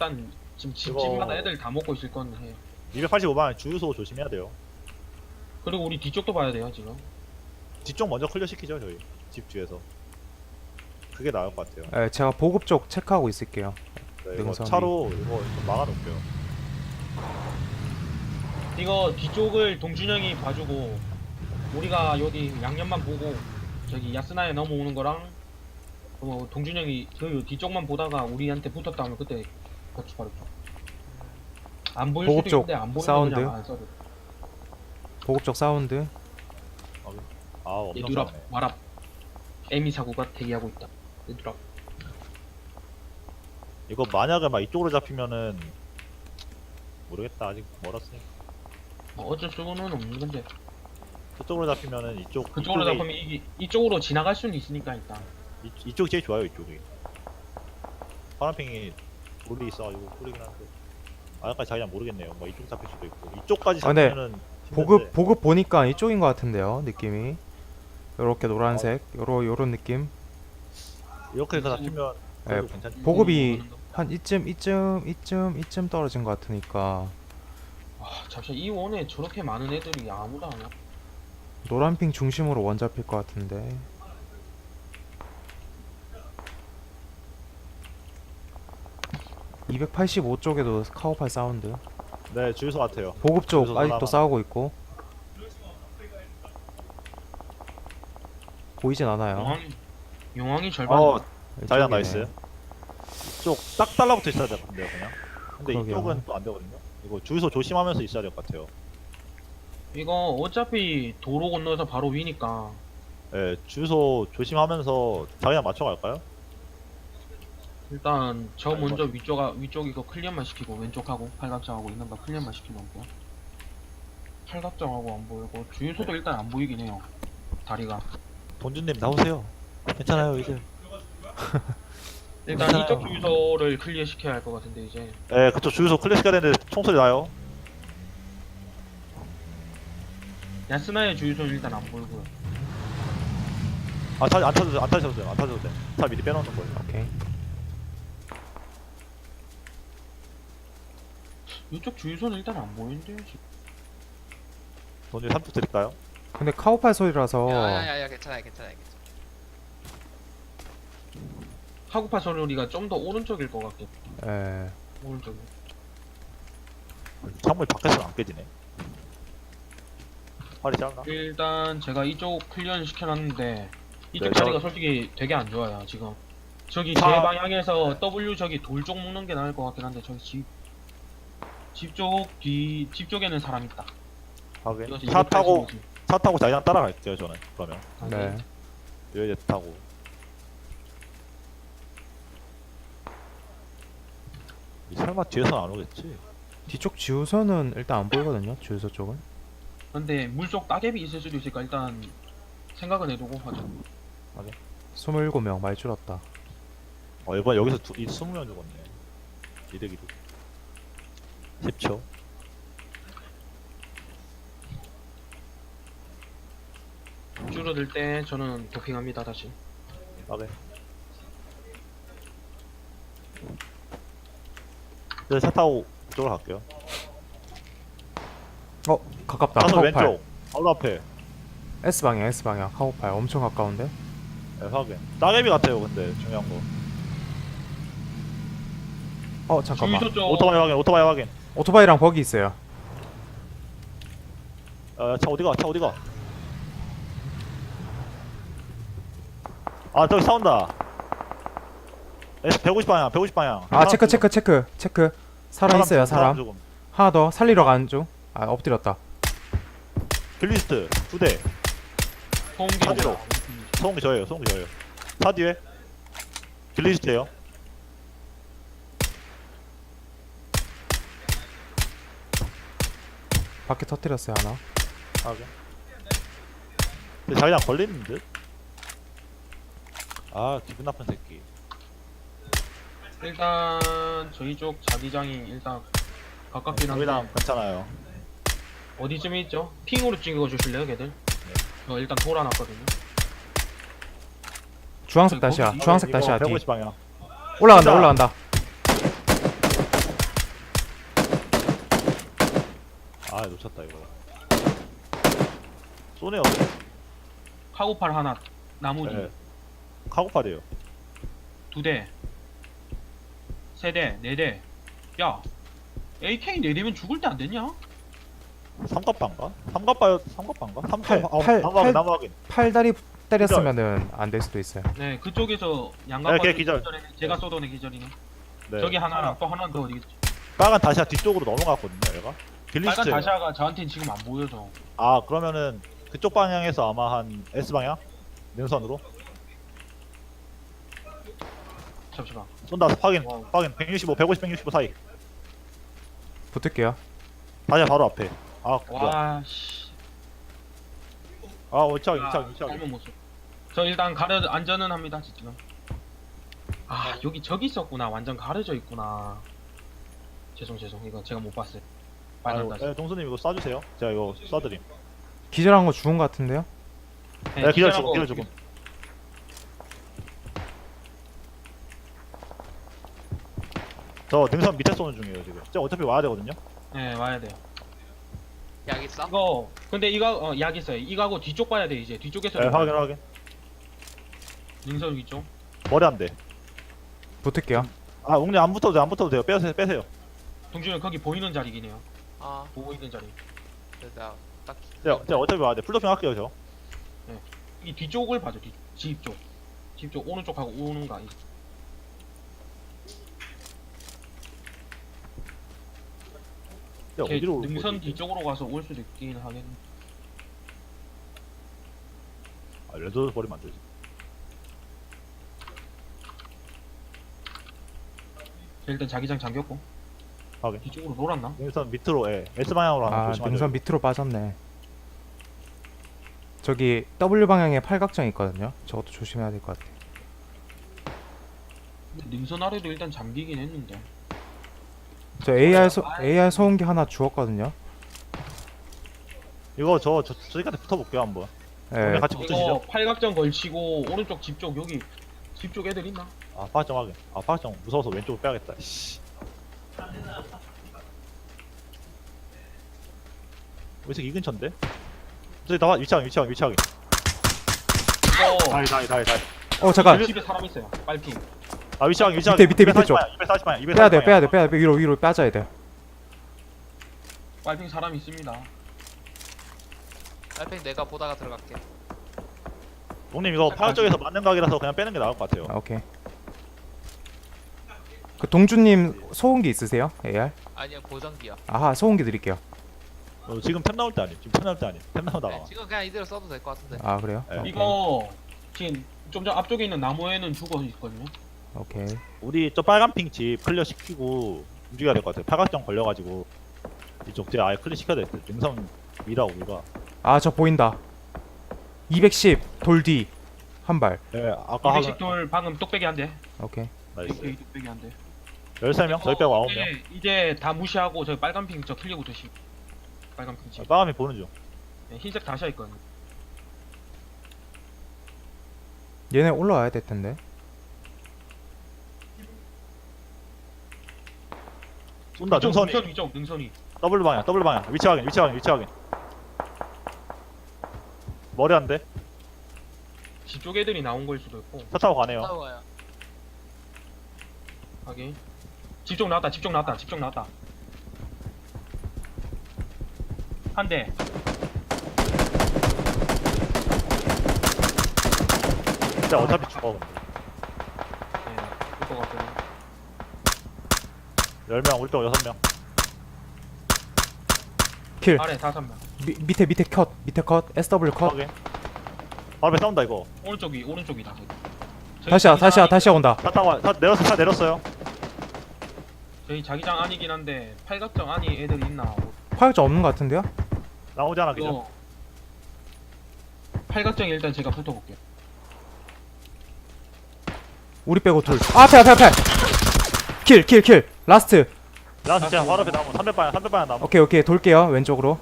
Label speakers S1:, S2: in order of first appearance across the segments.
S1: 일단 지금
S2: 이거-
S1: 집마다 애들 다 먹고 있을 건 해요.
S2: 285방 주유소 조심해야 돼요.
S1: 그리고 우리 뒤쪽도 봐야 돼요 지금.
S2: 뒤쪽 먼저 클리어 시키죠 저희 집 뒤에서. 그게 나을 것 같아요.
S3: 네, 제가 보급 쪽 체크하고 있을게요.
S2: 네, 이거
S3: 능선이.
S2: 차로 이거 좀 막아놓을게요.
S1: 이거 뒤쪽을 동준형이 봐주고 우리가 여기 양념만 보고 저기 야스나에 넘어오는 거랑 뭐 동준형이 그 뒤쪽만 보다가 우리한테 붙었다 하면 그때 같이 바로 안 보일
S3: 보급
S1: 수도
S3: 쪽
S1: 있는데 안 보이면
S3: 사운드.
S1: 그냥 안 써도 돼.
S3: 보급 쪽 사운드.
S2: 아 엄청
S1: 얘들아
S2: 싸네.
S1: 와라. 에미 사고가 대기하고 있다. 얘들아.
S2: 이거 만약에 막 이쪽으로 잡히면은 모르겠다. 아직 멀었으니까.
S1: 뭐 어쩔 수는 없는 건데
S2: 저쪽으로 잡히면은 이쪽
S1: 그쪽으로
S2: 이쪽이-
S1: 잡으면 이쪽으로 지나갈 수는 있으니까 일단.
S2: 이쪽이 제일 좋아요. 이쪽이. 파란팽이 돌이 있어가지고 꿀리긴 한데. 아직까지 자기랑 모르겠네요. 뭐 이쪽 잡힐 수도 있고 이쪽까지
S3: 아, 네.
S2: 잡히면은
S3: 보급 보니까 이쪽인 것 같은데요. 느낌이. 요렇게 노란색. 요런 느낌.
S2: 이렇게 해서 잡히면
S3: 네,
S2: 그래도 괜찮지.
S3: 보급이 한 이쯤 떨어진 것 같으니까
S1: 아 잠시만 이 원에 저렇게 많은 애들이 아무도 안 와.
S3: 노란핑 중심으로 원 잡힐 것 같은데. (285) 쪽에도 카우팔 사운드.
S2: 네 주유소 같아요.
S3: 보급 쪽
S2: 주유소
S3: 아직도
S2: 하나만.
S3: 싸우고 있고. 보이진 않아요.
S1: 용왕이 절반.
S2: 자기랑
S3: 이쪽이네.
S2: 나이스. 이쪽 딱 달라붙어 있어야 될 건데요 그냥. 근데
S3: 그러게요.
S2: 이쪽은 또 안 되거든요. 이거 주유소 조심하면서 있어야 될 것 같아요.
S1: 이거 어차피 도로 건너서 바로 위니까
S2: 네 주유소 조심하면서 자기랑 맞춰갈까요?
S1: 일단 저
S2: 아니,
S1: 먼저 위쪽 이거 클리어만 시키고 왼쪽하고 팔각정하고 있는 거 클리어만 시켜놓을게요. 팔각정하고 안 보이고 주유소도 일단 안 보이긴 해요. 다리가.
S2: 돈주님 나오세요. 괜찮아요 이제.
S1: 일단
S2: 괜찮아요.
S1: 이쪽 주유소를 클리어 시켜야 할 것 같은데 이제.
S2: 네 그쪽 주유소 클래식가 되는데 총소리 나요.
S1: 야스나의 주유소는 일단 안 보이고요.
S2: 안 타셔도 돼. 안 타셔도 돼. 안 타셔도 돼. 차 미리 빼놓는 거예요.
S3: 오케이.
S1: 이쪽 주유소는 일단 안 보이는데요 지금.
S2: 돈주님 3초 드릴까요?
S3: 근데 카우팔 소리라서
S4: 야야야 괜찮아요 괜찮아요.
S1: 하구파 소리가 좀 더 오른쪽일 것 같겠다.
S3: 예.
S1: 오른쪽.
S2: 창문이 밖에서는 안 깨지네. 팔이 짧나?
S1: 일단 제가 이쪽 클리어는 시켜놨는데 이쪽
S2: 네,
S1: 자리가 솔직히 되게 안 좋아요 지금. 저기 제
S2: 차-
S1: 방향에서 W 저기 돌 쪽 묶는 게 나을 것 같긴 한데 저기 집 쪽에는 사람 있다.
S2: 하긴.
S1: 이거
S2: 차 타고 자기랑 따라갈게요 저는. 그러면
S3: 네.
S2: 여기 타고. 설마 뒤에서는 안 오겠지?
S3: 뒤쪽 주유소는 일단 안 보이거든요. 주유소 쪽은.
S1: 근데 물속 따개비 있을 수도 있으니까 일단 생각은 해두고 하죠.
S3: 27명 많이 줄었다.
S2: 이번 여기서 20명 죽었네. 이득. 10초.
S1: 줄어들 때 저는 도핑합니다 다시.
S2: 오케이. 이제 차 타고 이쪽으로 갈게요.
S3: 가깝다.
S2: 차선
S3: 카우팔.
S2: 왼쪽. 바로 앞에.
S3: S방향 카우팔 엄청 가까운데.
S2: 네, 확인. 따개비 같아요 근데 중요한 거.
S3: 잠깐만.
S1: 주유소 쪽
S2: 오토바이 확인.
S3: 오토바이랑 버기 있어요.
S2: 차 어디가? 아 저기 싸운다. S150 방향.
S3: 아, 체크. 사람 있어요, 사람.
S2: 죽음.
S3: 하나 더 살리러 가는 중. 아, 엎드렸다.
S2: 길리스트 2대. 차지로. 소음기 저예요. 차 뒤에. 길리스트에요.
S3: 밖에 터뜨렸어요, 하나.
S2: 하게. 근데 자기랑 걸리는 듯? 아 기분 나쁜 새끼.
S1: 일단 저희 쪽 자기장이 일단 가깝긴 한데
S2: 저희랑 괜찮아요.
S1: 어디쯤에 있죠? 핑으로 찍어주실래요 걔들? 저 일단 돌아놨거든요.
S3: 주황색
S1: 거기-
S3: 다시야.
S1: 이거-
S3: 주황색 다시야. 뒤.
S2: 150 방향.
S3: 올라간다.
S2: 아 놓쳤다 이거. 쏘네요.
S1: 카고팔 하나, 나무지
S2: 네. 카고팔이에요.
S1: 2대, 3대, 4대. 야, AK 4대면 죽을 때 안 됐냐?
S2: 삼갑반가? 삼갑반가?
S3: 팔, 팔,
S2: 나무
S3: 팔.
S2: 확인 나무 확인.
S3: 팔다리 때렸으면은 안 될 수도 있어요.
S1: 네, 그쪽에서
S2: 네,
S1: 양각
S2: 걔 기절.
S1: 제가 쏘던 애 기절이네.
S2: 네.
S1: 저기 하나랑 또 하나 더 어디 있지?
S2: 빨간 다시아 뒤쪽으로 넘어갔거든요 얘가.
S1: 빨간
S2: 길리스트.
S1: 다시아가 저한테는 지금 안 보여서.
S2: 아 그러면은 그쪽 방향에서 아마 한 S 방향 능선으로
S1: 잠시만.
S2: 쏜다. 확인
S1: 와.
S2: 확인. 165 150 165 사이.
S3: 붙을게요.
S2: 다시아 바로 앞에. 아 뭐야.
S1: 와, 씨.
S2: 아 위치하기
S1: 아,
S2: 위치하기 위치하기.
S1: 잘못 못 쏘. 저 일단 가려 안전은 합니다 지금. 아, 여기 저기 있었구나. 완전 가려져 있구나. 죄송 이거 제가 못 봤어요. 빨간
S2: 아유,
S1: 다시.
S2: 네, 동수님 이거 쏴주세요. 제가 이거 쏴드림.
S3: 기절한 거 죽은 거 같은데요?
S2: 네, 기절
S1: 기절하고
S2: 죽음, 기절 죽음. 저 능선 밑에 쏘는 중이에요 지금. 저 어차피 와야 되거든요.
S1: 네, 와야 돼요.
S4: 약 있어?
S1: 이거 근데 이거 약 있어요. 이거하고 뒤쪽 봐야 돼 이제. 뒤쪽에서
S2: 네, 확인 확인.
S1: 능선 위쪽.
S2: 머리 안 돼.
S3: 붙을게요.
S2: 아 웅님 안 붙어도 돼요. 안 붙어도 돼요. 빼세요 빼세요.
S1: 동준이 거기 보이는 자리긴 해요.
S4: 아,
S1: 보고 있는 자리.
S4: 내가 딱.
S2: 제가 어차피 와야 돼. 풀도핑 할게요 저.
S1: 이 뒤쪽을 봐줘. 집 쪽. 집 쪽 오른쪽하고 오는 거 아니지?
S2: 제가
S1: 걔
S2: 어디로 올
S1: 능선
S2: 거지?
S1: 뒤쪽으로 가서 올 수도 있긴 하겠네.
S2: 아 레드 버리면 안 되지.
S1: 일단 자기장 잠겼고.
S2: 확인.
S1: 뒤쪽으로 놀았나?
S2: 능선 밑으로 예. S 방향으로 하나
S3: 아,
S2: 조심하죠.
S3: 능선 밑으로 빠졌네. 저기 W 방향에 팔각정 있거든요. 저것도 조심해야 될 것 같아.
S1: 능선 아래도 일단 잠기긴 했는데.
S3: 저 AR 소음기 하나 주웠거든요.
S2: 이거 저기한테 붙어볼게요 한번.
S3: 예.
S2: 같이
S1: 이거
S2: 붙으시죠.
S1: 팔각정 걸치고 오른쪽 집 쪽 여기 집 쪽 애들 있나?
S2: 아 파악정 확인. 아 파악정 무서워서 왼쪽으로 빼야겠다. 씨. 왜 이렇게 이 근처인데? 저기 나와 위치하기.
S1: 이거
S2: 다이.
S3: 잠깐.
S1: 집에 사람 있어요. 빨핑.
S2: 아 위치하기.
S3: 밑에 쪽.
S2: 240방향.
S3: 빼야 돼. 위로 빠져야 돼.
S1: 빨핑 사람 있습니다.
S4: 알팽 내가 보다가 들어갈게.
S2: 동님 이거 파악 쪽에서 맞는 각이라서 그냥 빼는 게 나을 것 같아요.
S3: 아, 오케이. 그 동주님 소음기 있으세요? AR?
S4: 아니야, 보정기야.
S3: 아하, 소음기 드릴게요.
S2: 지금 템 나올 때 아니. 지금 템 나올 때 아니. 템 나오다가.
S4: 네, 지금 그냥 이대로 써도 될 것 같은데.
S3: 아, 그래요?
S2: 네.
S1: 이거 지금 좀 전 앞쪽에 있는 나무에는 죽어 있거든요.
S3: 오케이.
S2: 우리 저 빨간 핑 집 클리어 시키고 움직여야 될 것 같아요. 팔각정 걸려가지고 이쪽 뒤에 아예 클리어 시켜야 될 듯. 능선 미라 우리가.
S3: 아, 저 보인다. 210 돌 뒤 한 발.
S2: 예, 아까
S1: 200씩 돌 방금 뚝배기 한 대.
S3: 오케이.
S2: 나이스.
S1: 뚝배기 한 대.
S2: 13명? 저희 빼고 9명.
S1: 이제 다 무시하고 저 빨간 핑 저 클리어 조심. 빨간 핑 집.
S2: 빨간이 보는 중.
S1: 네, 흰색 다시아 있거든요.
S3: 얘네 올라와야 될 텐데.
S2: 쏜다. 능선이.
S1: 능선 위쪽 능선이.
S2: 더블 방향. 위치 확인. 머리 안 돼.
S1: 집 쪽 애들이 나온 거일 수도 있고.
S2: 차 타고 가네요.
S4: 싸워요.
S1: 하긴. 집 쪽 나왔다. 한 대.
S2: 진짜 어차피 죽어.
S1: 네, 그거 같거든요.
S2: 10명, 우리 빼고 6명.
S3: 킬.
S1: 아래 5명.
S3: 밑에 컷. SW 컷.
S2: 확인. 바로 앞에 싸운다 이거.
S1: 오른쪽이다. 저기.
S3: 다시야 온다.
S2: 차 내렸어요.
S1: 저희 자기장 아니긴 한데 팔각정 안이 애들 있나?
S3: 파격자 없는 것 같은데요?
S2: 나오지 않아 그죠?
S1: 이거 팔각정 일단 제가 붙어볼게요.
S3: 우리 빼고 둘. 아, 앞에. 킬. 라스트.
S2: 나 진짜 바로 앞에 나무 300방향 나무.
S3: 오케이. 돌게요. 왼쪽으로.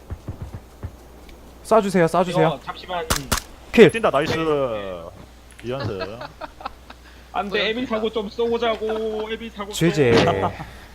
S3: 쏴주세요.
S1: 이거 잠시만.
S3: 킬.
S2: 뛴다 나이스. 이연승.
S1: 안돼 에밀 사고 좀 쏘자고. 에밀 사고.
S3: GG.